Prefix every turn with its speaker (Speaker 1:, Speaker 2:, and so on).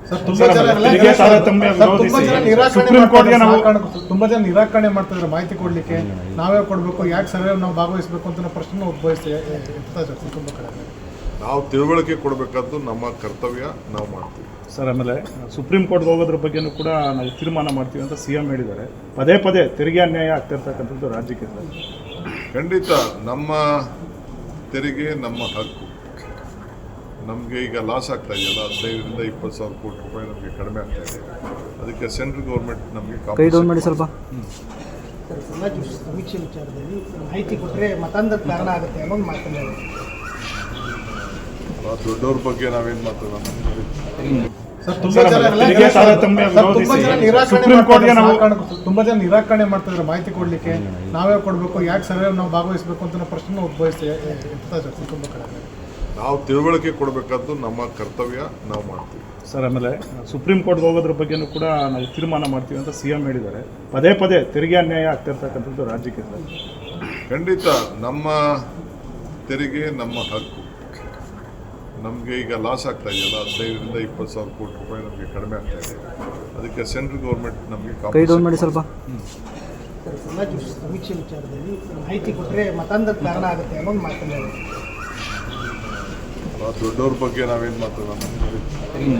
Speaker 1: ತುಂಬಾ ಜನ ನಿರಾಕರಣೆ ಮಾಡ್ತಿದ್ರೆ ಮಾಹಿತಿ ಕೊಡ್ಲಿಕ್ಕೆ ನಾವೇ ಕೊಡಬೇಕು, ಯಾಕೆ ಸರ್ವೆ ನಾವು ಭಾಗವಹಿಸಬೇಕು ಅಂತ ಪ್ರಶ್ನೆ ಉದ್ಭವಿಸ್ತೀವಿ.
Speaker 2: ನಾವು ತಿಳುವಳಿಕೆ ಕೊಡಬೇಕಾದ್ದು ನಮ್ಮ ಕರ್ತವ್ಯ, ನಾವು ಮಾಡ್ತೀವಿ
Speaker 3: ಸರ್. ಆಮೇಲೆ ಸುಪ್ರೀಂ ಕೋರ್ಟ್ಗೆ ಹೋಗೋದ್ರ ಬಗ್ಗೆನೂ ಕೂಡ ನಾವು ತೀರ್ಮಾನ ಮಾಡ್ತೀವಿ ಅಂತ CM ಹೇಳಿದ್ದಾರೆ. ಪದೇ ಪದೇ ತೆರಿಗೆ ಅನ್ಯಾಯ ಆಗ್ತಿರ್ತಕ್ಕಂಥದ್ದು ರಾಜ್ಯಕ್ಕೆ ಸರ್.
Speaker 2: ಖಂಡಿತ ನಮ್ಮ ತೆರಿಗೆ ನಮ್ಮ ಹಕ್ಕು. ನಮಗೆ ಈಗ ಲಾಸ್ ಆಗ್ತಾ ಇದೆಯಲ್ಲ, 15,000 ರಿಂದ 20,000 ಕೋಟಿ ರೂಪಾಯಿ ನಮಗೆ ಕಡಿಮೆ ಆಗ್ತಾ ಇದೆ. ಅದಕ್ಕೆ ಸೆಂಟ್ರಲ್ ಗೌರ್ಮೆಂಟ್ ನಮಗೆ
Speaker 4: ಮಾಡಿ ಸ್ವಲ್ಪ
Speaker 1: ಸಮೀಕ್ಷೆ ವಿಚಾರದಲ್ಲಿ ಮಾಹಿತಿ ಕೊಟ್ಟರೆ ಮತಾಂಧದ ಕಾರಣ ಆಗುತ್ತೆ ಅನ್ನೋದು ಮಾತನಾಡಿ
Speaker 2: ದೊಡ್ಡವ್ರ ಬಗ್ಗೆ ನಾವೇನು ಮಾತಾಡೋಣ.
Speaker 1: ತುಂಬಾ ಜನ ನಿರಾಕರಣೆ ಮಾಡ್ತಿದ್ರೆ ಮಾಹಿತಿ ಕೊಡ್ಲಿಕ್ಕೆ ನಾವೇ ಕೊಡಬೇಕು, ಯಾಕೆ ಸರ್ವೆ ನಾವು ಭಾಗವಹಿಸಬೇಕು ಅಂತ ಪ್ರಶ್ನೆ ಉದ್ಭವಿಸ್ತೀವಿ.
Speaker 2: ನಾವು ತಿಳುವಳಿಕೆ ಕೊಡಬೇಕಾದ್ದು ನಮ್ಮ ಕರ್ತವ್ಯ, ನಾವು ಮಾಡ್ತೀವಿ
Speaker 3: ಸರ್. ಆಮೇಲೆ ಸುಪ್ರೀಂ ಕೋರ್ಟ್ಗೆ ಹೋಗೋದ್ರ ಬಗ್ಗೆನೂ ಕೂಡ ನಾವು ತೀರ್ಮಾನ ಮಾಡ್ತೀವಿ ಅಂತ CM ಹೇಳಿದ್ದಾರೆ. ಪದೇ ಪದೇ ತೆರಿಗೆ ಅನ್ಯಾಯ ಆಗ್ತಿರ್ತಕ್ಕಂಥದ್ದು ರಾಜ್ಯಕ್ಕೆ ಸರ್.
Speaker 2: ಖಂಡಿತ ನಮ್ಮ ತೆರಿಗೆ ನಮ್ಮ ಹಕ್ಕು. ನಮಗೆ ಈಗ ಲಾಸ್ ಆಗ್ತಾ ಇದೆಯಲ್ಲ, 15,000 ರಿಂದ 20,000 ಕೋಟಿ ರೂಪಾಯಿ ನಮಗೆ ಕಡಿಮೆ ಆಗ್ತಾ ಇದೆ. ಅದಕ್ಕೆ ಸೆಂಟ್ರಲ್ ಗೌರ್ಮೆಂಟ್ ನಮಗೆ
Speaker 4: ಮಾಡಿ ಸ್ವಲ್ಪ
Speaker 1: ಸಮೀಕ್ಷೆ ವಿಚಾರದಲ್ಲಿ ಮಾಹಿತಿ ಕೊಟ್ಟರೆ ಮತಾಂಧದ ಕಾರಣ ಆಗುತ್ತೆ ಅನ್ನೋದು ಮಾತನಾಡಿ
Speaker 2: ದೊಡ್ಡವ್ರ ಬಗ್ಗೆ ನಾವೇನು ಮಾತಾಡೋಣ.